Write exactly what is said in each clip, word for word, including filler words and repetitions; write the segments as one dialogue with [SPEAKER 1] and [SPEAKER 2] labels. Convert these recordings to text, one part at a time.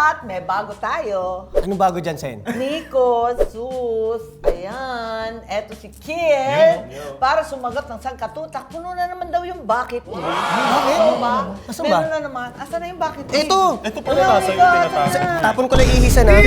[SPEAKER 1] At may bago tayo.
[SPEAKER 2] Anong bago dyan, Sen?
[SPEAKER 1] Nico, Sus, ayan, eto si Kiel. Para sumagot ng sangkatutak, puno na naman daw yung bakit eh.
[SPEAKER 2] Bakit?
[SPEAKER 1] Oo ba?
[SPEAKER 2] Asan
[SPEAKER 1] Meron
[SPEAKER 2] ba?
[SPEAKER 1] na naman. Asan na yung bakit eh?
[SPEAKER 2] Ito!
[SPEAKER 3] Ito pala nasa yung tinatawag.
[SPEAKER 2] Tapon ko lang ihisa na.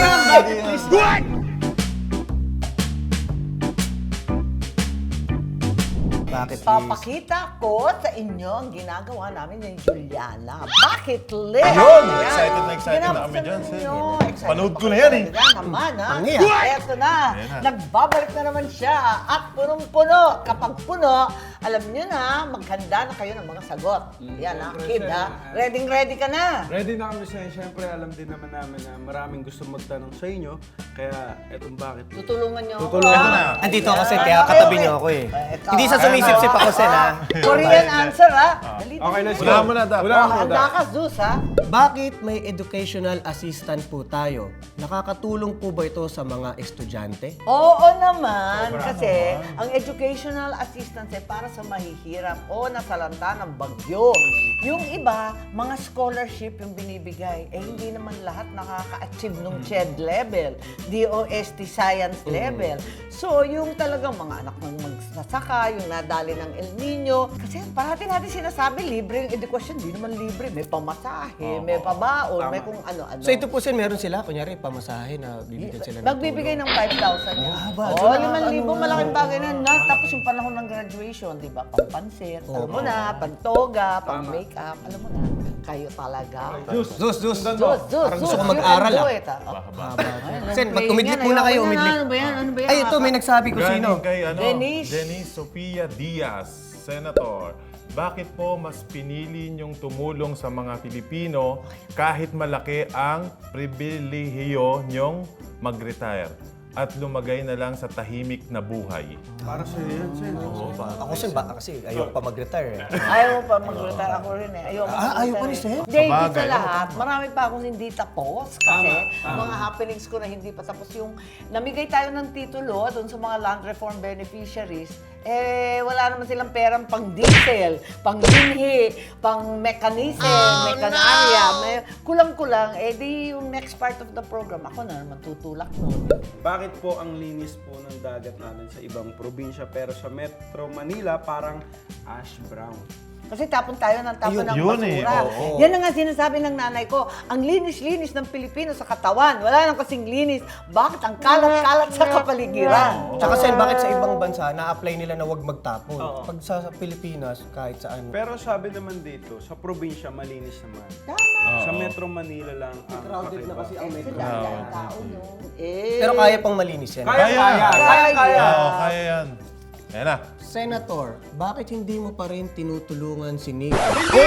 [SPEAKER 2] Bakit, please?
[SPEAKER 1] Papakita ko sa inyo ang ginagawa namin ni Juliana. Bakit list?
[SPEAKER 3] Ayun! Excited na excited na kami dyan, Sen.
[SPEAKER 1] Excited
[SPEAKER 3] Panood
[SPEAKER 1] pa
[SPEAKER 3] ko na
[SPEAKER 1] kayo
[SPEAKER 3] yan, eh.
[SPEAKER 1] Yan naman, ha?
[SPEAKER 2] Ang iya.
[SPEAKER 1] Eto na.
[SPEAKER 3] Ayan na.
[SPEAKER 1] Nagbabalik na naman siya. At punong-puno. Kapag puno, alam niyo na, maghanda na kayo ng mga sagot. Yan, ha? Kid, ha? Ready-ready ka na.
[SPEAKER 4] Ready na kami sa Siyempre, alam din naman namin na maraming gusto magtanong sa inyo. Kaya etong bakit.
[SPEAKER 1] Tutulungan niyo ako.
[SPEAKER 4] Tutulungan
[SPEAKER 1] ha?
[SPEAKER 3] na.
[SPEAKER 2] Andito ako, Sen,
[SPEAKER 1] Ayan.
[SPEAKER 2] kaya
[SPEAKER 1] Okay,
[SPEAKER 2] katabi
[SPEAKER 1] okay.
[SPEAKER 2] niyo ako eh.
[SPEAKER 1] Eh, ikaw,
[SPEAKER 2] Hindi sa
[SPEAKER 1] ha?
[SPEAKER 2] sumisip-sip ako, Sen, ha?
[SPEAKER 1] Korean answer, ha? Dali,
[SPEAKER 4] Okay, let's
[SPEAKER 3] Wala
[SPEAKER 4] go.
[SPEAKER 3] mo na, Dap.
[SPEAKER 4] Wala
[SPEAKER 1] Oh,
[SPEAKER 4] mo
[SPEAKER 1] handa
[SPEAKER 4] na.
[SPEAKER 1] ka, Zeus, ha?
[SPEAKER 2] Bakit may educational assistant po tayo? Nakakatulong po ba ito sa mga estudyante?
[SPEAKER 1] Oo naman, kasi ang educational assistance ay para sa mahihirap o nasalanta ng bagyo. Yung iba, mga scholarship yung binibigay. Eh, hindi naman lahat nakaka-achieve ng C H E D level, D O S T science level. So, yung talagang mga anak ng magsasaka, yung nadali ng El Nino. Kasi parati natin sinasabi, libre yung edukasyon. Hindi naman libre. May pamasahe, may pabaon, may kung ano-ano.
[SPEAKER 2] So ito po, Sen, meron sila, kunyari, pamasahe na bibigyan sila ng
[SPEAKER 1] Magbibigay ng five thousand.
[SPEAKER 2] Ah, ba?
[SPEAKER 1] Oo,
[SPEAKER 2] So,
[SPEAKER 1] limang libo,
[SPEAKER 2] ano,
[SPEAKER 1] malaking
[SPEAKER 2] ano,
[SPEAKER 1] bagay na. na. Tapos yung panahon ng graduation, di ba? Pampansit, alam mo na, pantoga, pang-makeup, alam mo na. Kayo talaga.
[SPEAKER 2] Zeus, Zeus, Zeus.
[SPEAKER 1] Zeus, Zeus,
[SPEAKER 2] Parang gusto
[SPEAKER 1] Zeus,
[SPEAKER 2] ko
[SPEAKER 1] you
[SPEAKER 2] mag-aral,
[SPEAKER 1] can do
[SPEAKER 2] ah.
[SPEAKER 1] it, ah.
[SPEAKER 2] Haba. Sen,
[SPEAKER 1] playing
[SPEAKER 2] mag-umidlip
[SPEAKER 1] yan,
[SPEAKER 2] muna
[SPEAKER 1] ayoko
[SPEAKER 2] kayo,
[SPEAKER 1] na.
[SPEAKER 2] umidlip.
[SPEAKER 1] Ano ba yan? Ano ba yan?
[SPEAKER 2] Ay, ito, may nagsabi ko sino.
[SPEAKER 3] Galing kay ano,
[SPEAKER 1] Denise.
[SPEAKER 3] Denise Sofia Diaz, Senator. Bakit po mas pinili niyong tumulong sa mga Pilipino kahit malaki ang pribilehiyo niyong mag-retire at lumagay na lang sa tahimik na buhay?
[SPEAKER 4] Para sa iyo yan, Sen.
[SPEAKER 2] Ako, Sen, ba, kasi ayoko pa mag-retire. eh.
[SPEAKER 1] Ayaw pa mag-retire ako rin eh. Ayaw
[SPEAKER 2] Ah, ayaw pa ni Sen?
[SPEAKER 1] Hindi, hindi sa
[SPEAKER 3] Sabagay,
[SPEAKER 1] lahat. Marami pa akong hindi tapos. Kasi mga happenings ko na hindi pa tapos. Yung namigay tayo ng titulo doon sa mga land reform beneficiaries, eh, wala naman silang perang pang diesel, pang binhi, pang mechanism, mekanarya. May, kulang-kulang, eh di yung next part of the program, ako na naman tutulak nun.
[SPEAKER 4] Bakit po ang linis po ng dagat natin sa ibang probinsya pero sa Metro Manila parang ash brown?
[SPEAKER 1] Kasi tapon tayo ng tapon
[SPEAKER 2] Ayun,
[SPEAKER 1] ng
[SPEAKER 3] yun eh,
[SPEAKER 1] basura.
[SPEAKER 3] oo.
[SPEAKER 1] Yan ang nga sinasabi ng nanay ko. Ang linis-linis ng Pilipino sa katawan. Wala nang kasing linis. Bakit ang kalat-kalat sa kapaligiran?
[SPEAKER 2] Tsaka, Sen, bakit sa ibang bansa na-apply nila na huwag magtapon? Pag sa Pilipinas, kahit saan.
[SPEAKER 4] Pero sabi naman dito, sa probinsya malinis naman.
[SPEAKER 1] Tama.
[SPEAKER 4] Sa Metro Manila lang ang
[SPEAKER 2] Crowded na
[SPEAKER 4] kakaiba.
[SPEAKER 2] kasi ang metro.
[SPEAKER 1] Sila, ang tao no. Eh.
[SPEAKER 2] Pero kaya pang malinis yan.
[SPEAKER 4] Kaya, kaya, kaya, kaya.
[SPEAKER 3] Oo, kaya yan. Ayan na.
[SPEAKER 2] Senator, bakit hindi mo pa rin tinutulungan si Nico?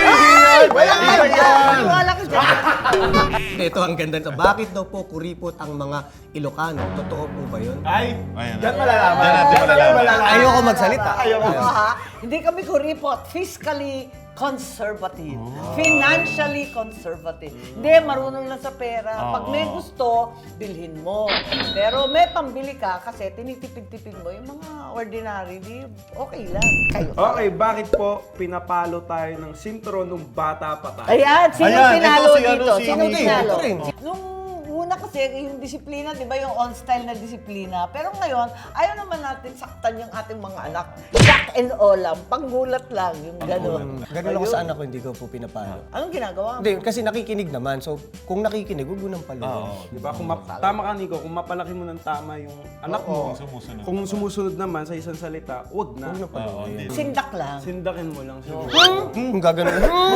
[SPEAKER 1] Wala ka yan. Wala ka dyan.
[SPEAKER 2] Ito ang ganda. Bakit daw po kuripot ang mga Ilocano? Totoo po ba yun?
[SPEAKER 4] Ay,
[SPEAKER 3] Ayan na.
[SPEAKER 4] yan malalaman.
[SPEAKER 3] Yan natin malalaman.
[SPEAKER 2] Ayoko magsalita.
[SPEAKER 1] Ayoko ha. Hindi kami kuripot. Fiscally conservative. Financially conservative. Hindi, marunong lang sa pera. Pag may gusto, bilhin mo. Pero may pambili ka kasi tinitipid-tipid mo yung mga ordinary, di okay lang. Kayo.
[SPEAKER 4] Okay, bakit po pinapalo tayo ng sintro nung bata pa tayo?
[SPEAKER 1] Ayan, sino
[SPEAKER 3] Ayan,
[SPEAKER 1] pinalo
[SPEAKER 3] ito si ano,
[SPEAKER 1] dito?
[SPEAKER 3] si
[SPEAKER 1] Sino
[SPEAKER 3] Nico.
[SPEAKER 1] pinalo?
[SPEAKER 2] Ito rin.
[SPEAKER 1] Nung una kasi, yung disiplina, di ba, yung on-style na disiplina. Pero ngayon, ayaw naman natin saktan yung ating mga anak. Jack and Olam, panggulat lang, yung gano'n.
[SPEAKER 2] Ganun ako sa anak ko, hindi ko po pinapalo.
[SPEAKER 1] Anong ginagawa mo?
[SPEAKER 2] Hindi, kasi nakikinig naman. So, kung nakikinig, huwag mo nang paluin.
[SPEAKER 3] Oo.
[SPEAKER 4] Di ba? Kung map- tama ka, Nico, kung mapalaki mo ng tama yung anak mo,
[SPEAKER 3] Kung sumusunod.
[SPEAKER 4] kung sumusunod naman sa isang salita, wag na.
[SPEAKER 2] Huwag na
[SPEAKER 3] Oo,
[SPEAKER 2] paluin.
[SPEAKER 3] hindi.
[SPEAKER 1] Sindak lang.
[SPEAKER 4] Sindakin mo lang siguro.
[SPEAKER 2] Hmm, gagano.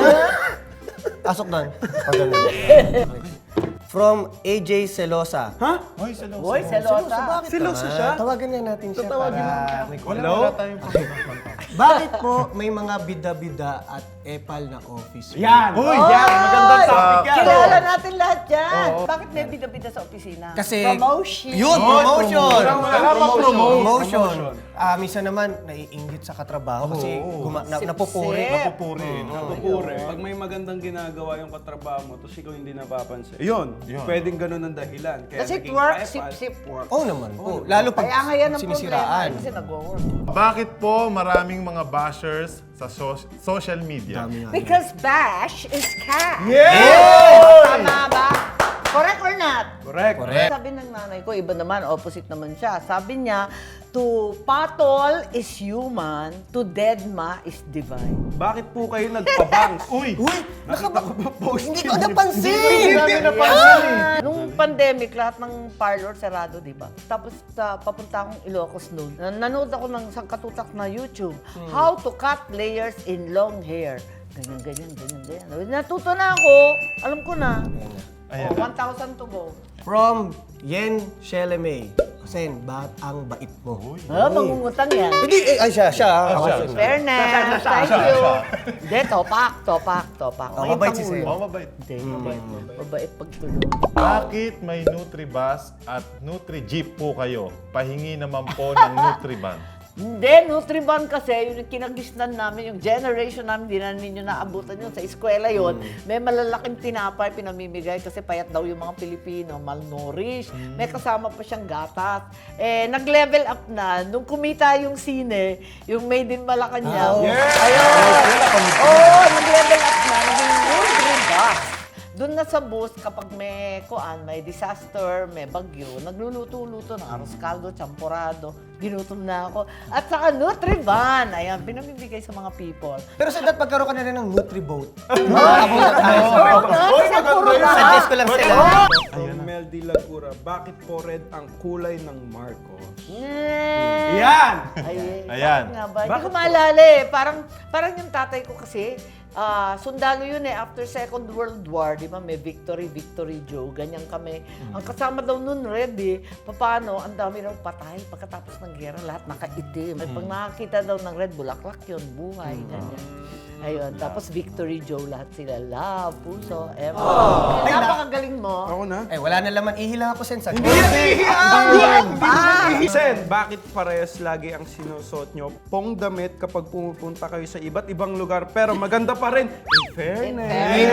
[SPEAKER 2] Pasok doon. Pag ganun. From A J Celosa.
[SPEAKER 4] Ha?
[SPEAKER 3] Hoy, salo.
[SPEAKER 1] Boy, selota.
[SPEAKER 4] Siloso
[SPEAKER 2] Ah,
[SPEAKER 4] siya?
[SPEAKER 2] tawagan nga natin siya
[SPEAKER 4] Tatawagin
[SPEAKER 2] para...
[SPEAKER 3] Wala,
[SPEAKER 4] Hello?
[SPEAKER 3] wala tayong
[SPEAKER 2] Bakit po may mga bida-bida at epal na office?
[SPEAKER 4] Yan!
[SPEAKER 3] Uy!
[SPEAKER 4] Yan! Magandang
[SPEAKER 3] Oy!
[SPEAKER 4] topic yan!
[SPEAKER 1] Kilala natin lahat yan. Bakit may bida-bida sa opisina?
[SPEAKER 2] Kasi...
[SPEAKER 1] Promotion.
[SPEAKER 2] Yun, promotion!
[SPEAKER 4] Wala pang promote.
[SPEAKER 2] Promotion. Ah, minsan naman, naiinggit sa katrabaho kasi guma- na, napupuri.
[SPEAKER 1] Sip-sip.
[SPEAKER 3] Napupuri.
[SPEAKER 4] Napupure. Pag may magandang ginagawa yung katrabaho mo, tapos ikaw hindi napapansin. Yun,
[SPEAKER 3] Yun.
[SPEAKER 4] pwedeng ganun ang dahilan. Kaya
[SPEAKER 1] Kasi
[SPEAKER 4] naging
[SPEAKER 1] twerk,
[SPEAKER 4] epal.
[SPEAKER 1] sip-sip.
[SPEAKER 4] Work.
[SPEAKER 2] Oo naman po. Lalo pag
[SPEAKER 1] Kaya nga yan ang problema.
[SPEAKER 2] sinisiraan.
[SPEAKER 1] Kasi nag-work.
[SPEAKER 3] Bakit po maraming mga bashers sa so- social media?
[SPEAKER 2] Dami nga.
[SPEAKER 1] Because bash is cash.
[SPEAKER 4] Yeah!
[SPEAKER 1] Tama ba?
[SPEAKER 4] Correct.
[SPEAKER 2] Correct.
[SPEAKER 1] Sabi ng nanay ko, iba naman, opposite naman siya. Sabi niya, to patol is human, to deadma is divine.
[SPEAKER 4] Bakit po kayo nagpabangs?
[SPEAKER 3] Uy!
[SPEAKER 2] Uy!
[SPEAKER 4] Nakita ko ba post?
[SPEAKER 2] Hindi ko napansin!
[SPEAKER 3] Hindi napansin eh.
[SPEAKER 1] Ah, nung pandemic, lahat ng parlor sarado, di ba? Tapos sa papunta akong Ilocos noon, nan- nanood ako ng isang katutak na YouTube, How to cut layers in long hair. Ganyan, ganyan, ganyan, ganyan. Natuto na ako. Alam ko na.
[SPEAKER 3] Ayan.
[SPEAKER 1] Oh, one thousand to go.
[SPEAKER 2] From Yen Shelemay. Sen, ba't ang bait mo?
[SPEAKER 1] Ah, mangungutang yan.
[SPEAKER 2] Hindi, eh, ay siya, siya. ah. Ako
[SPEAKER 3] siya,
[SPEAKER 2] siya.
[SPEAKER 3] siya.
[SPEAKER 1] Fairness, thank you. Hindi, topak, topak, topak.
[SPEAKER 2] Oh,
[SPEAKER 1] May
[SPEAKER 2] mabait si
[SPEAKER 1] pangulo.
[SPEAKER 2] Sen.
[SPEAKER 3] Oh, mabait.
[SPEAKER 1] Hindi, mabait. Mabait pagtulong.
[SPEAKER 3] Bakit may Nutribus at Nutri-Jeep po kayo? Pahingi naman po ng Nutriban.
[SPEAKER 1] Hindi, Nutriban kasi, yung kinagisnan namin, yung generation namin, hindi na ninyo naabutan yun. Sa eskwela yun, may malalaking tinapay pinamimigay kasi payat daw yung mga Pilipino, malnourished. May kasama pa siyang gatas. Eh, nag-level up na. Nung kumita yung sine, yung Made in Malacanang. Ayun! Oo, nag-level up na. Naging Nutribus. Doon na sa bus, kapag may kuan, may disaster, may bagyo, nagluluto-luto ng arroz caldo, champurado, ginutom na ako. At saka Nutriban, ayan, pinamibigay sa mga people.
[SPEAKER 2] Pero sa dat pagkaroon ka na rin ng Nutriboat.
[SPEAKER 1] Oo, kasi puro lahat.
[SPEAKER 2] Suggest ko lang sila.
[SPEAKER 4] From Mel D. Lagura, bakit po red ang kulay ng Marcos?
[SPEAKER 1] Yeah.
[SPEAKER 4] Yan!
[SPEAKER 1] Ay,
[SPEAKER 3] Ayan.
[SPEAKER 1] bakit nga ba? Hindi
[SPEAKER 4] Bakit
[SPEAKER 1] ko
[SPEAKER 4] po?
[SPEAKER 1] maalala eh. Parang, parang yung tatay ko kasi, ah, sundalo yun eh. After Second World War, di ba, may Victory, Victory Joe, ganyan kami. Ang kasama daw nun, red eh. Paano, ang dami daw patay. Pagkatapos ng gera, lahat nakaitim. Ay, pag nakakita daw ng red, bulaklak yun, buhay, ganyan. Ayun, tapos Victory Joe, lahat sila. Love, puso, ever. Ay, napakagaling mo.
[SPEAKER 4] Ako na?
[SPEAKER 2] Eh, wala na laman. Ihila ako, Sen. Sa
[SPEAKER 4] Sen, bakit parehas lagi ang sinusuot nyo pong damit kapag pumupunta kayo sa iba't ibang lugar pero maganda pa rin? In fairness.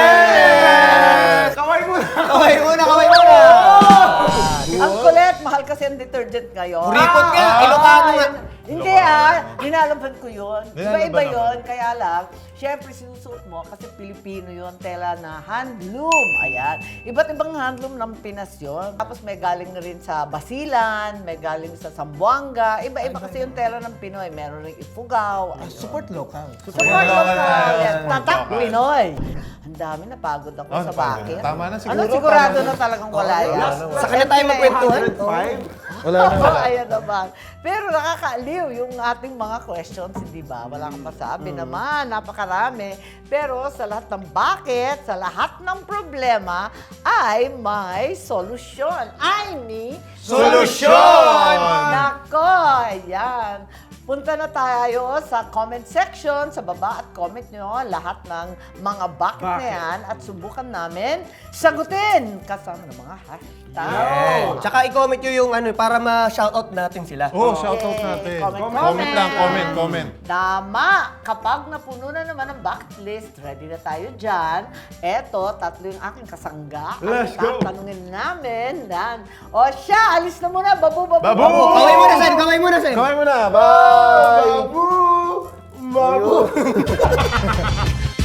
[SPEAKER 4] Kaway mo na!
[SPEAKER 2] Kaway muna, kaway muna!
[SPEAKER 1] Ang kulit, mahal kasi ang detergent ngayon.
[SPEAKER 2] Kuripot ka!
[SPEAKER 1] Ah,
[SPEAKER 2] Ilocano nga!
[SPEAKER 1] yun. Hindi ah, dinalaban ko yun.
[SPEAKER 3] Dinalaban
[SPEAKER 1] Iba-iba
[SPEAKER 3] naman.
[SPEAKER 1] yun, kaya lang, syempre sinusuot mo kasi Pilipino yun, tela na handloom. Ayan. Iba't ibang handloom ng Pinas yun. Tapos may galing rin sa Basilan, may galing sa Zamboanga. Iba-iba kasi yung tela ng Pinoy. Meron rin Ifugao. Ayun.
[SPEAKER 2] Support local.
[SPEAKER 1] Support local. Yes, tatak Pinoy. Ang dami, napagod ako
[SPEAKER 3] Oh,
[SPEAKER 1] sa
[SPEAKER 3] napagod.
[SPEAKER 1] bakit.
[SPEAKER 3] Tama na siguro,
[SPEAKER 1] Ano, sigurado
[SPEAKER 3] tama
[SPEAKER 1] na talagang wala yan.
[SPEAKER 2] Sa kanya tayo magkwentuhan.
[SPEAKER 4] Five?
[SPEAKER 3] Wala na, wala.
[SPEAKER 1] Ayan naman. Pero nakakaaliw yung ating mga questions, hindi ba? Wala kang masabi naman, napakarami. Pero sa lahat ng bakit, sa lahat ng problema, ay may solusyon. Ay, ni
[SPEAKER 3] Solusyon!
[SPEAKER 1] Nako, ayan. Punta na tayo sa comment section, sa baba at comment nyo lahat ng mga bakit, na
[SPEAKER 4] Bakit?
[SPEAKER 1] yan at subukan namin sagutin kasama ng mga hashtag.
[SPEAKER 2] Yeah. Tsaka i-comment nyo yung ano, para ma-shoutout natin sila.
[SPEAKER 3] Oh, shoutout
[SPEAKER 1] Yay.
[SPEAKER 3] natin.
[SPEAKER 1] Comment,
[SPEAKER 3] Comment,
[SPEAKER 1] comment.
[SPEAKER 3] lang, comment, comment.
[SPEAKER 1] Tama! Kapag napuno na naman ang bucket list, ready na tayo dyan. Eto, tatlo yung aking kasangga.
[SPEAKER 4] Let's
[SPEAKER 1] Ang
[SPEAKER 4] go.
[SPEAKER 1] tatanungin namin. Dan. O siya, alis na muna. Babu, babu,
[SPEAKER 3] Babu!
[SPEAKER 2] Kaway muna, Sen! Kaway muna, Sen!
[SPEAKER 3] Kaway mo na. Bye!
[SPEAKER 4] Babu! Babu!